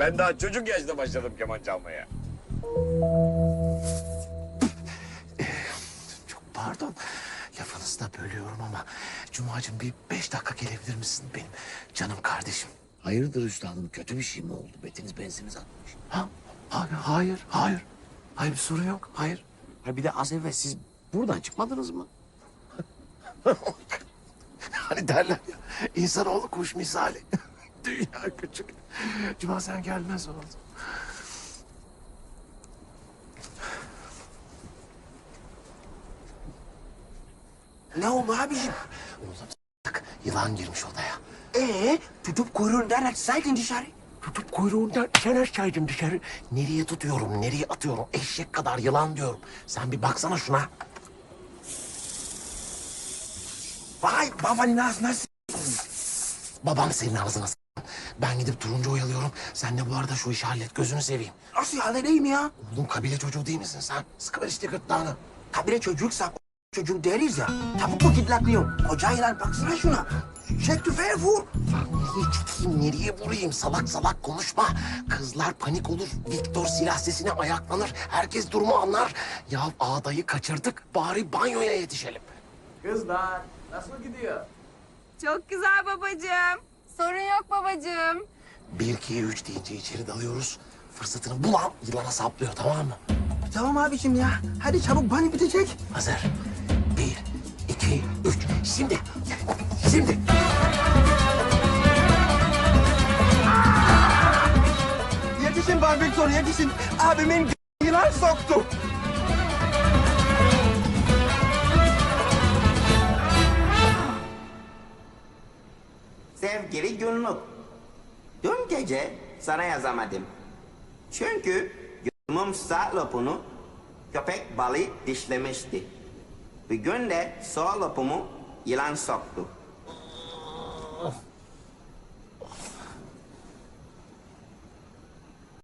Ben daha çocuk yaşta başladım keman çalmaya. Çok pardon. Lafınızı da bölüyorum ama Cuma'cığım bir 5 dakika gelebilir misin benim canım kardeşim? Hayırdır üstadım, kötü bir şey mi oldu? Betiniz benziniz atmış. Ha? Hayır. Hayır bir sorun yok. Hayır. Ha bir de az evvel siz buradan çıkmadınız mı? Hani derler ya insanoğlu kuş misali. Dünya küçük. Cuma sen gelmez oldu. Ne oldu abiciğim? Oğlum yılan girmiş odaya. Tutup kuyruğundan açsaydın dışarı. Tutup kuyruğundan sen açsaydın dışarı. Nereye tutuyorum, nereye atıyorum? Eşek kadar yılan diyorum. Sen bir baksana şuna. Vay babanın ağzına Babam senin ağzına s***. Ben gidip turuncu oyalıyorum. Sen de bu arada şu işi hallet. Gözünü seveyim. nasıl halledeyim ya? Oğlum kabile çocuğu değil misin sen? Sıkıver işte gırtlağını. Kabile çocuksa çocuğu deriz ya. Tavuk mu gidlaklıyorum? Koca yılan baksana şuna. Çek tüfeği vur. Nereye çekeyim, nereye vurayım? Salak salak konuşma. Kızlar panik olur. Viktor silah sesine ayaklanır. Herkes durumu anlar. Ya ağdayı kaçırdık. Bari banyoya yetişelim. Kızlar nasıl gidiyor? Çok güzel babacığım. Sorun yok babacığım. 1, 2, 3 deyince içeri dalıyoruz. Fırsatını bulan yılana saplıyor, tamam mı? Tamam abiciğim ya. Hadi çabuk bani bitecek. Hazır. 1, 2, 3. Şimdi. Şimdi. Yetişin Bay Victor yetişin. Abimin yılan soktu. Sevgili günlük. Dün gece sana yazamadım. Çünkü gözümün sağ lopunu köpek balığı dişlemişti. Bir gün de sol lopumu yılan soktu.